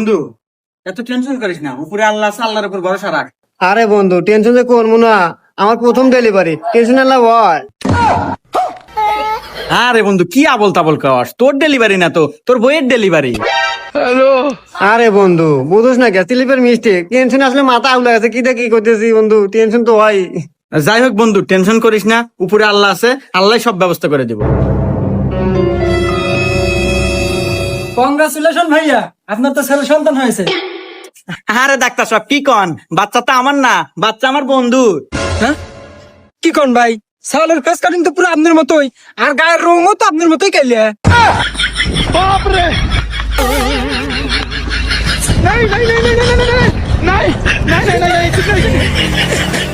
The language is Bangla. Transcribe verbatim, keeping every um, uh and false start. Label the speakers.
Speaker 1: বন্ধু এত টেনশন করিস না, উপরে আল্লাহ আছে, আল্লাহর উপর ভরসা রাখ।
Speaker 2: আরে বন্ধু টেনশন যে করবো না, আমার প্রথম ডেলিভারি, টেনশন আল্লাহ বল।
Speaker 1: আরে বন্ধু কি আবল তাবল খাওয়াস, তোর ডেলিভারি না তো তোর বইয়ের ডেলিভারি।
Speaker 2: আরে বন্ধু বুঝোস না কে, স্লিপের মিস্টেক, টেনশন আসলে মাথা আউলা গেছে, কি দেখি করতেছি বন্ধু, টেনশন তো হয়।
Speaker 1: যাই হোক বন্ধু টেনশন করিস না, উপরে আল্লাহ আছে, আল্লাহ সব ব্যবস্থা করে দিব।
Speaker 3: কংগ্রাচুলেশন ভাইয়া, আপনার তো ছেলে সন্তান হয়েছে।
Speaker 1: আরে ডাক্তার সাহেব কি কন, বাচ্চা তো আমার না, বাচ্চা আমার বন্ধু।
Speaker 3: হ্যাঁ কি কোন ভাই, সালের ফেস কাটিং তো পুরো আপনার মতোই, আর গায়ের রঙও তো আপনার মতোই কাইলে।
Speaker 4: नहीं नहीं नहीं नहीं नहीं नहीं नहीं नहीं नहीं नहीं नहीं नहीं